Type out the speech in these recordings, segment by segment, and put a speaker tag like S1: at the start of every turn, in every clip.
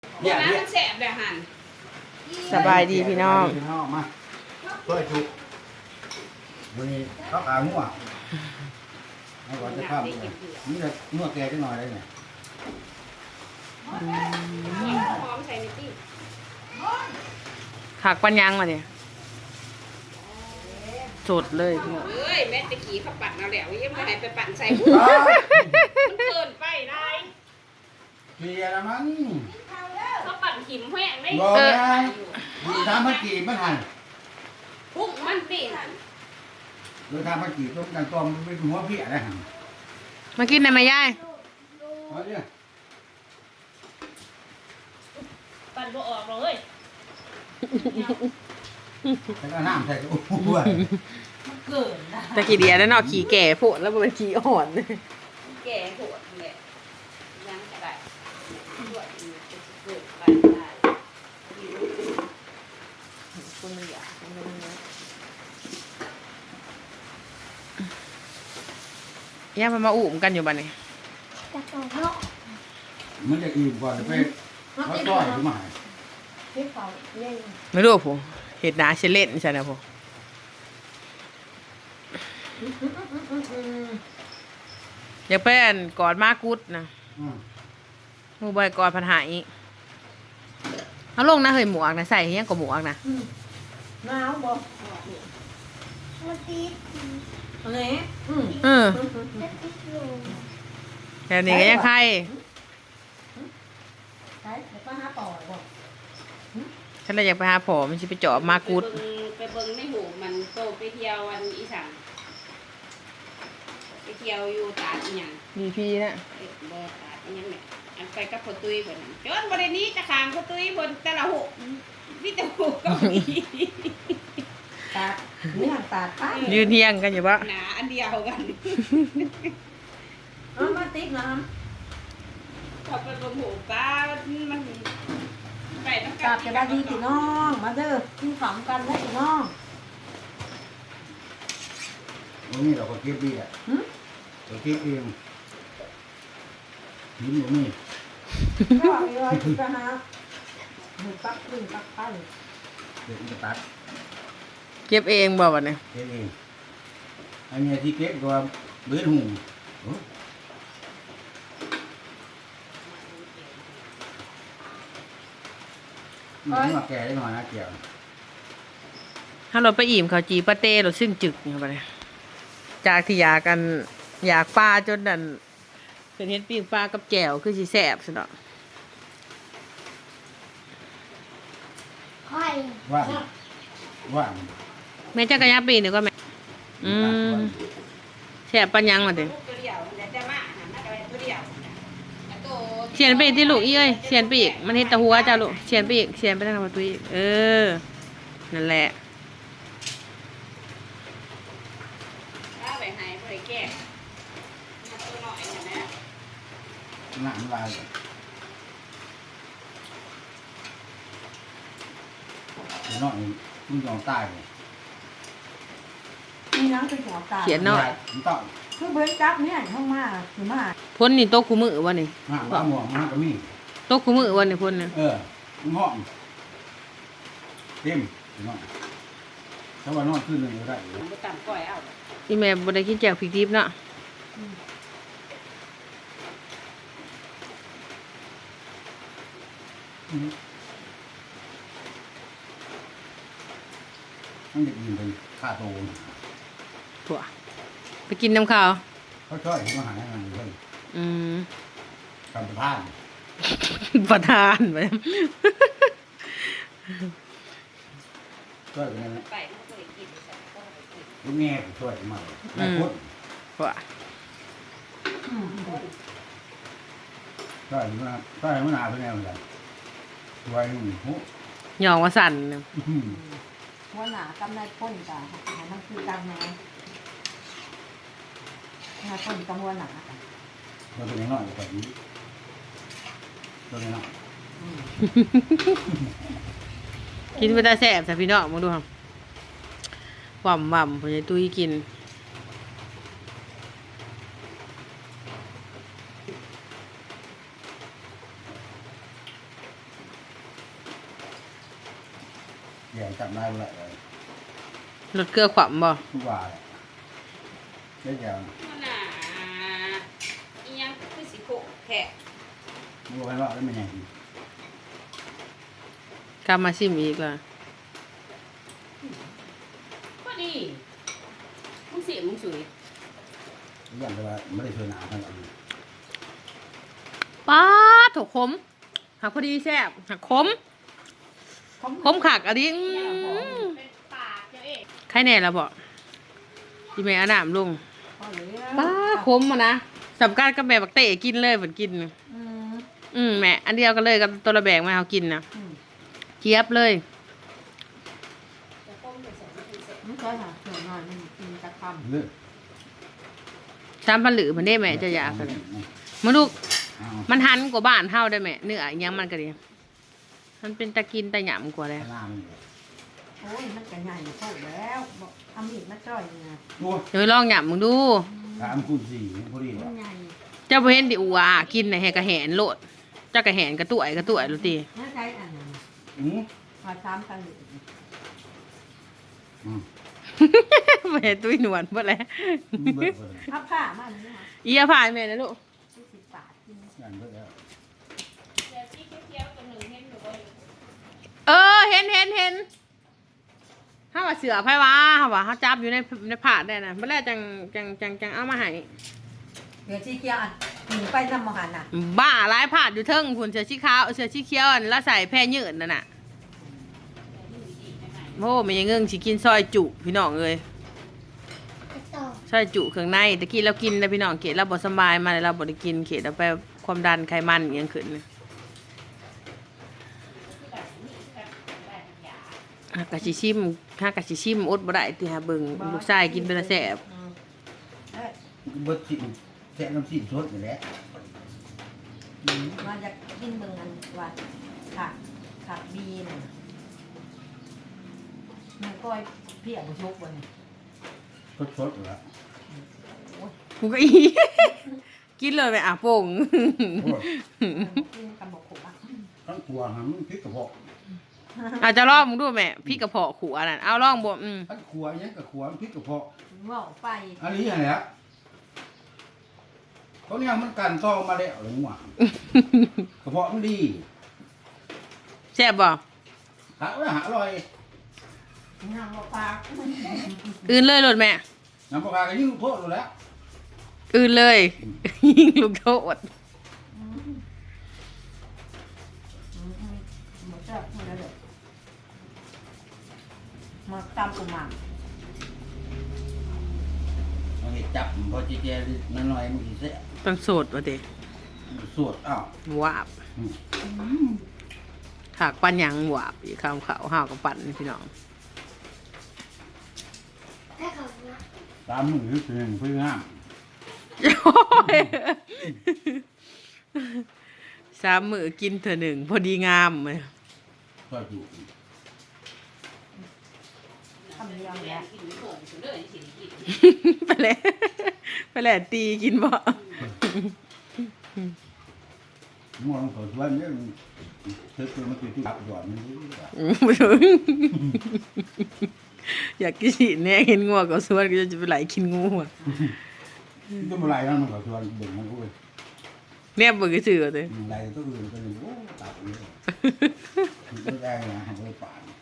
S1: เนี่ยมันแสบเลยหัน
S2: สบายดีพี่น้อง
S3: พี่น้องมาช่วยจุกวันนี้เขาขาหัวให้ก่อนจะข้ามเลยนี่จะหัวแกจะหน่อยได้เนี่ย
S1: หอมใส่ในที่
S2: ผักปัญญังมาเนี่ยสดเลยพี่น้อง
S1: เอ้ยแม่ตะกี้เขาปั่นเอาแล้วยังไม่ให้ไปปั่นใส่หัวมันเกินไปได้
S3: เคลียร์ละมั้ง
S1: เขาปั่นขิมแห้งได้
S3: บอกนะดูทำพักกีมันหัน
S1: พุ่งมันเปลี่ยน
S3: ดูทำพักกีต้มกันต้มเป็นหัวเพี้ยได้หัน
S2: มากินได้ไหมยาย
S3: เอาเนี่ย
S1: ปั่นบ่ออกเลย
S3: ใส่กระน้ำใส่กระอุ้ย
S1: มันเกินนะ
S2: ตะกี้เดียแล้วเนาะขี่แก่โผล่แล้วมันเป็นขี่อ่อน
S1: แก่โหดเลยยังก็ได้ตัวอีกจะเกิดไปได้หิว
S2: คนมันอยากย่ามันมาอุ่มกันอยู่บ้านนี่
S3: มันจะอิ่มก่อนจะไปเขาต้อยขึ้นมา
S2: ไม่รู้ผมเห็ดหนาเชลเล่นใช่ไหมผมอยากเป็นกอดมากุดนะมูบอยกอดพันหายเอาลงนะเฮ้ยหมวกนะใส่ยังกับหมวกนะ
S4: หนาวบ่มันติดอะไร
S2: เออแค่นี้ก็ยังใคร
S4: ใช่เดี๋ยวป้าหาต่อบ่
S2: ฉันเลยอยากไปหาผอมันจะไปเจาะมากุด
S1: ไปเบิ่งในหูมันโตไปเที่ยววันอีสานไปเที่ยวอยู่ตาดอีหยัง
S2: ดีพีนะ
S1: บ่ตาดอีหยังเนี่ยอันไปกับพ่อตุ้ยเพิ่นจนบ่ได้หนี้จะข้างพ่อตุ้ยเพิ่นแต่ละหูมีแต่หูเก็มี
S4: ตาดนี่หันตาดป้า
S2: ยืนเที่ยงกันอยู่ปะ
S1: หนาอันเดียวกัน
S4: มาติ๊กนะ
S1: เขาไปเบิ่งหูปลามันไปน้ำกั
S4: ตาดจะได้ดีพี่น้องมาเด้อกินขำกันได้พี่น้อง
S3: วันนี้เราก็เก็บดีแหละเราเก็บเองหินอยู่นี่
S4: ก็มีไว้ที่ป้าหาหนึ่งปักหนึ่งปักไป
S3: เดี๋ยวมันจะตัด
S2: เก็บเองบ่วันนี้
S3: เก็บเองอันนี้ที่เก็บตัวเบื้องหูมันมาแก่ได้หน่อยนะเกี่ยว
S2: ถ้าเราไปอิ่มเขาวจีปาเต้เราซึ่งจึกอยู่ปะเนี่ยจากที่อยากกันอยากปลาจนนั่นเป็นเห็ดปิ้งปลากับแจ่วคือสิแสบสุดอ่ะ
S4: ค่อย
S3: ว่า
S2: แม่จักรยานปีหนึ่งก็แม่แสบปัญญังมาถึง
S1: ตัวเดียวแต่จะมาหันมากันตัวเดียวโต
S2: เสียนไปอีกที่ลูกอีเอ้ยเสียนไปอีกมันเห็ดแตะหัวจ้าลูกเสียนไปอีกเสียนไปทางประตูอีกนั่นแหละ
S1: ถ้าไปหายไปแก้มาตัวหน่อยนะ
S3: หนังลายน้อยมึงยอมตายเลย
S4: มีน้ำเป็นหัวตา
S2: เขียนหน่อย
S3: มันต้อง
S4: คือเบิ้ลจับเนี่ยห้องมาคือมา
S2: พ้นนี่โต๊ะคู่มือวะนี่
S3: ห่างว่าหมวกมันก็มี
S2: โต๊ะคู่มือวะนี่พ้นเนี่ย
S3: มันห้องเต็มน้อยถ้าว่านอนขึ้นหนึ่งก็ได้
S1: มันต่ำก่อยเอา
S2: อีแม่บ่ได้กินแจ่วพริกดิบเนาะ
S3: มันจะยินเป็นค่าโต
S2: ถั่วไปกินน้ำข้าว
S3: เขาช่วยมาหาอะไรเพื่อน
S2: อืม
S3: กำพาน
S2: ประทานไป
S3: ช่วยกันนะ
S1: ไปมันก็เลยกินแต่ก็ไปกิน
S3: ลูกแง่ช่วยมาหลายคน
S2: ถั่ว
S3: ช่วยมาช่วยมาหนาเพื่อนเหมือนกันช่วยหุ่นหู
S2: หยองว่าสั่นเนี่ย
S4: หัวหนากำไรพ่นจ้ะมันคือกำแหนงาพ่นกำหัวหนา
S3: เราเป็นน้อยกว่านี้เราเป็นน้อย
S2: กินไปแต่แสบแต่พี่น้องมาดูครับหว่ำผมจะตุ้ยกิน
S3: แย่จับได้เลย
S2: รถเกลือขวำบ่
S3: ทุกว่าได้แย่
S1: มันน่ะอีหยังคือสิโผแขก
S3: ไม่รู้ใครว่าได้ไม่แย่
S2: กลับมาชิมอีกล่ะ
S1: ก็ดีมึงสิมึงสวย
S3: อย่างแต่ว่าไม่ได้เชิญหนาทั้งนั้น
S2: ป้าถกขมหักพอดีแซ่บหักขมขมขักอันนี้
S1: เป็นปากเจ้าเอง
S2: ใครแน่ละบ่ที่แม่เอาน้ำลง
S4: พอแล้ว
S2: ป้าขมอ่ะนะสำคัญกับแม่บักเตะกินเลยเหมือนกิน แม่อันเดียวกันเลยกับตัวระแบกมาเอากินนะเจี๊ยบเลย
S1: จะต้มไปใส่ไม่ถึงเสร็จ
S4: ไม่ใช่ค่ะเดี๋ยวหน่อยมันกินตะคำ
S3: เลือด
S2: ช้ำพันหรือมันได้แม่จะอยากกันมาลูกมันหันกว่าบ้านเท่าได้แม่เนื้ออิหยังมันก็ดีมันเป็นตะกินตะหยำกว่าเลย
S3: ข้างล่างนี่
S4: โอ้ยมันก็ใหญ่โตแล้วบอกเอามีดมาจ่อยนะ
S3: ตัว
S2: เดี๋ยวลองหยำมึงดู
S3: ถามคุณสี่พอดี
S4: มั
S3: ว่ะ
S4: นใหญ่
S2: เจ้าบ่เห็นดิอัวกินน่ะแหกกระแหนโลดเจ้ากระแหนกระตุ่ยโลดติ
S4: น่าใช้อันนั้น
S3: อืม
S4: พอซ้ำกันหรือ
S2: แม่ตุ้ยหนวลเบ่แล้ว
S3: เบิดเลย
S4: ผ้าผ้ามันนี่ค่ะ
S2: อียาพายแม่นะลูก
S4: 10 บาทกิน
S3: งานเบิดแล้ว
S1: เดี๋ยวที่เคี้ยวๆตัวหนึ่งเห็นหนูก็อยู่
S2: เห็นเฮาว่าเสือไผวะเฮาว่าเฮาจับอยู่ในผาดได้น่ะบ่แล้วจังเอามาให้
S4: เดี๋ยวชี้เกียวอันหนีไปนำมหันน่ะ
S2: บ้าหลายผาดอยู่เทิงพุ่นเสือสีขาวเสือสีเขียวอันละใส่แพร่ยืดนั่นน่ะโอ้แม่ยังเงิงสิกินซอยจุพี่น้องเอ้ยซอยจุเครื่องในตะกี้เรากินแล้วพี่น้องเขตเราบ่สำบายมาแล้วเราบ่ได้กินเขตเราไปความดันไขมันอิหยังขึ้นน่ะฮักกะสิชิมอดบ่ได้ติหาเบิ่งลูกชายกินเป็นละแซ่บ
S4: เอ้ย
S3: เบิดสิแซ่น้ำซีสดนี่แหละ
S4: มาจะกินเมืองอันว่าขาดบีน่ะมันก้อยเพี้ยบุชุกวันนี้
S3: สดๆแล้ว
S2: กูก็อี กินเลยไปอ่ะโป่ง
S4: กินกำบอกขมอ่ะ
S3: ทั้งตัวหันพริกกระเพาะ
S2: อาจจะลองมึงดูแม่พี่กระเพาะขัวนั่นเอาลองบ่
S3: ทั้งขัวยังกับขัวพริกกระเพาะ
S4: ว่าไป
S3: อันนี้อะไรฮะเขาเนี่ยมันกันซ่อมาแล้วหรือหว่ากระเพาะมันดี
S2: แซ่บบ่
S3: หาไว้หาอร่อย
S4: งามปาก
S2: อื่นเลยโลดแม่
S3: น้ำปลาก็ยิ่งโทษอยู่แล้ว
S2: อื่นเลย ยิงลูกโทษ
S4: หมดแล้วหมดแล้วเด้อมาตำกุมาร
S3: มันจับพอจีเจนั่นหน่อยมันสิเสีย
S2: ต้องโสดว่าเด้
S3: สวดอ้าว
S2: วาบถากปันหยังวาบอีกคำเขาห้าวกับปั่นนี่พี่น้อง
S3: ตามมือคือเพื่อนห้าม
S2: 3 มื้อกินเทื่อหนึ่งพอดีงามเลย
S3: ก็อยู่
S4: ทำเรียง
S1: แล้
S4: แล้ว ว
S1: กินโผล่ถึงเลยสิกิน
S2: ไปแหละตีกินบ่
S3: ม่วงตัวช่วยเนี่ยเธอคือมันคือที่รับหยอดมันนี่
S2: บ่ถึงอยากกินสิแน่เห็นงัวก็สวนก็จะไปไหลกินงูอะ
S3: ก็มาไล่แล้วมันก็ชวนเบิ่งมันก็เลย
S2: เนี่ยบ่คือซื่อเด้อ
S3: ไล่ตัวอื่นก็เลยโอ้ตับเลยไม่ได้นะทำไม่ป่าน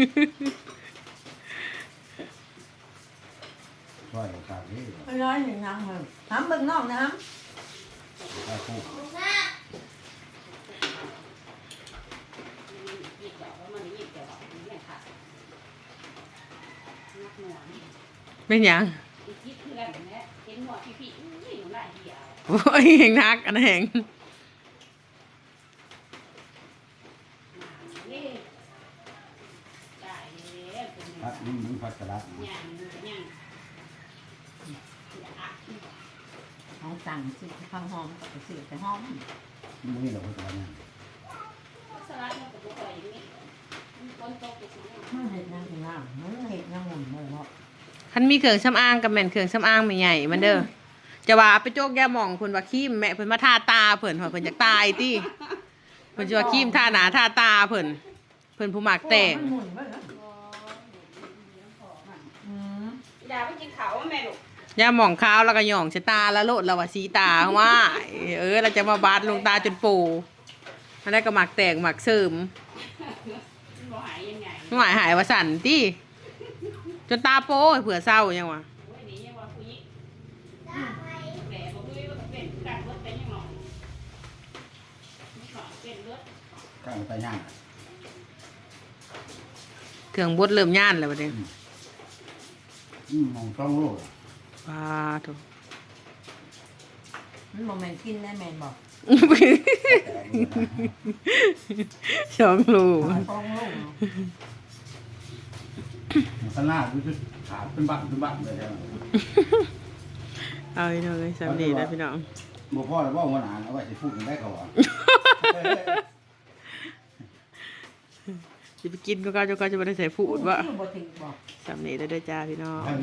S3: ช่วยตับนี่
S4: ไม่ร้อยหนึ่งนางเลยน้ำเบิ่งนอกน้
S3: ตาคู่
S1: หยิบดอกแล้วมันหยิบดอกนี่แหละค่ะนักหน่วง
S2: เป็นหยัง
S1: อีกยิบเพื่อนแม่เห็นหัวพี่ๆอุ้ยหนูหน้าเหี่ยว
S2: โอ้ยแหงนักอันนั้นแหง
S1: นี่ได้แล้วเป็น
S3: พัดนี่มันพัดกระดาษ
S1: ย่างมันก็ย่างอย่าอัก
S4: ำเขาสั่งสิข้าวหอมกับสิแต่หอม
S3: มันนี่เราพัดกระดาษเนี่ย
S1: สลัดมันก็บ่ค่อยอย่างนี้มันฝนตกไปสิ
S4: มันเห็ดนางงามมันเห็ดนางหมุนเลยเนาะ
S2: คันมีเครื่องสำอางกับแม่นเครื่องสำอางไม่ใหญ่มันเด้อจะว่าไปโจกยาหม่องเพิ่นว่าครีมแม่เพิ่นมาทาตาเพิ่นว่าเพิ่นอยากตายติเพิ่นสิว่าครีมทาหน้าทาตาเพิ่นผู้มักแต่ง
S4: มันหมุนไปแล้ว
S1: โอ้อย่าไปกินเขาแม่ลูก
S2: ย่าหมองขาวแล้วก็หย่องชะตาแล้วโลดแล้วว่าสีตาว่าเราจะมาบาดลงตาจนปูอันนั้นก็หมักแตกหมักเสริม
S1: มันบ่หายยังไง
S2: หายว่าสั่นติจนตาโป้เผื่อเศร้ายังวะ
S1: โอ้ยนี่ยังว่าผู้หญิงแหล่บ่คุยว่าเป็นการรถเป็นยังหรอกมีของเป็นรถ
S3: ข้างไปย่าง
S2: เครื่องบดเริ่มย่านแล้วบัดนี้
S3: มองช่องโลก
S2: ปาโถ
S4: มันบ่แม่นกินได้แม่นบ่
S2: สองลูก
S4: ฟองลูก
S3: ขนาดดูขาเป็นบัตรเลยครับ
S2: เอาอีกหน่อยสามดีนะพี่น้อง
S3: บ่พ่อแล้วว่าวันอ่านเอาไว้สิพูดกันได้เขาอ่ะ
S2: จะไปกินก็จะไม่ได้ใส่ผูดว่า
S4: บ่ถึงบ่
S2: สามดีได้ด้วยจ้าพี่น้อง